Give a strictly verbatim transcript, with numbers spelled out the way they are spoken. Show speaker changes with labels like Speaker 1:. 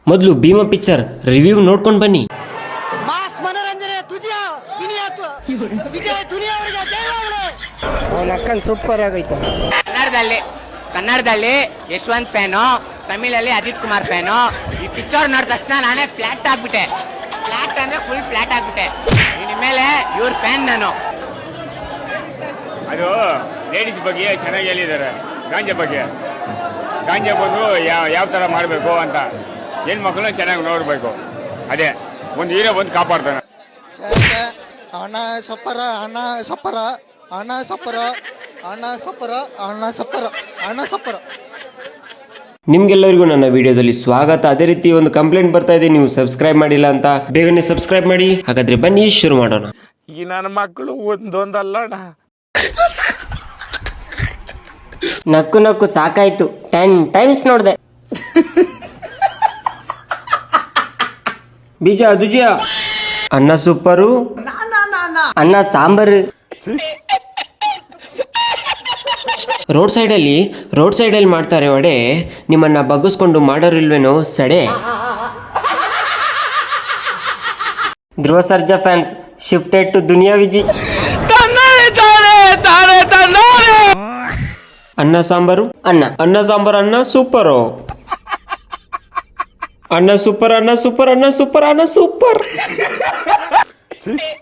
Speaker 1: ಮೊದಲು Bima picture review ನೋಡ್ಕೊಂಡು ಬನ್ನಿ.
Speaker 2: ಮಾಸ್ ಮನೋರಂಜನೆ ತುಜಿಯ ವಿಜಯ ದುನಿಯಾ ಅವರಿಗೆ ಜಯವಾಗಲಿ.
Speaker 3: ಅವನ ಅಕ್ಕನ್ ಸೂಪರ್ ಆಗೈತೆ.
Speaker 4: ಕನ್ನಡದಲ್ಲಿ ಕನ್ನಡದಲ್ಲಿ ಯಶವಂತ್ ಫ್ಯಾನು, ತಮಿಳಲ್ಲಿ ಅಜಿತ್ ಕುಮಾರ್ ಫ್ಯಾನು. ಈ ಪಿಕ್ಚರ್ ನೋಡಿದ ತಕ್ಷಣ ನಾನೇ ಫ್ಲಾಟ್ ಆಗ್ಬಿಟ್ಟೆ. ಫ್ಲಾಟ್ ಅಂದ್ರೆ ಫುಲ್ ಫ್ಲಾಟ್ ಆಗ್ಬಿಟ್ಟೆ. ಇನ್ಮೇಲೆ ಇವ್ರ ಫ್ಯಾನ್ ನಾನು.
Speaker 5: ಅದು ಲೇಡೀಸ್ ಬಗ್ಗೆ ಚೆನ್ನಾಗಿ ಹೇಳಿದ್ದಾರೆ. ಗಾಂಜಾ ಬಗ್ಗೆ ಗಾಂಜಾ ಬಂದು ಯಾವ ಯಾವ ಥರ ಮಾಡಬೇಕು ಅಂತ ಹೆಣ್ಮಕ್ಳನ್ನ ಚೆನ್ನಾಗಿ ನೋಡಬೇಕು. ಅದೇ ಒಂದು ಹೀರೋ ಬಂದು ಕಾಪಾಡ್ತಾನೆ.
Speaker 2: ಅಣ್ಣ ಸಪ್ಪರ ಅಣ್ಣ ಸಪ್ಪರ ಅಣ್ಣ ಸಪ್ಪರ ಅಣ್ಣ ಸಪ್ಪರ ಅಣ್ಣ ಸಪ್ಪರ ಅಣ್ಣ ಸಪ್ಪರ.
Speaker 1: ನಿಮ್ಗೆಲ್ಲರಿಗೂ ನನ್ನ ವಿಡಿಯೋದಲ್ಲಿ ಸ್ವಾಗತ. ಅದೇ ರೀತಿ ಒಂದು ಕಂಪ್ಲೇಂಟ್ ಬರ್ತಾ ಇದೆ, ನೀವು ಸಬ್ಸ್ಕ್ರೈಬ್ ಮಾಡಿಲ್ಲ ಅಂತ. ಬೇಗನೆ ಸಬ್ಸ್ಕ್ರೈಬ್ ಮಾಡಿ. ಹಾಗಾದ್ರೆ ಬನ್ನಿ ಶುರು ಮಾಡೋಣ.
Speaker 3: ಈ ನನ್ನ ಮಕ್ಕಳು ಒಂದೊಂದಲ್ಲಣ್ಣ.
Speaker 6: ನಕ್ಕು ನಕ್ಕು ಸಾಕಾಯ್ತು, ಟೆನ್ ಟೈಮ್ಸ್ ನೋಡಿದೆ.
Speaker 1: ಬೀಜ ದುಜಿಯ ಅನ್ನ ಸೂಪರು,
Speaker 6: ಅನ್ನ ಸಾಂಬಾರು.
Speaker 1: ರೋಡ್ ಸೈಡಲ್ಲಿ ರೋಡ್ ಸೈಡಲ್ಲಿ ಮಾಡ್ತಾರೆ ವಡೆ, ನಿಮ್ಮನ್ನ ಬಗ್ಗಿಸ್ಕೊಂಡು ಮಾಡೋರಿಲ್ವೇನೋ ಸಡೆ.
Speaker 6: Dhruva Sarja fans shifted to Duniya Viji.
Speaker 1: ಅನ್ನ ಸಾಂಬಾರು
Speaker 6: ಅನ್ನ
Speaker 1: ಅನ್ನ ಸಾಂಬಾರು ಅನ್ನ ಸೂಪರು. ಅನ್ನ ಸೂಪರ್ ಅನ್ನ ಸೂಪರ್ ಅನ್ನ ಸೂಪರ್ ಅನ್ನ ಸೂಪರ್.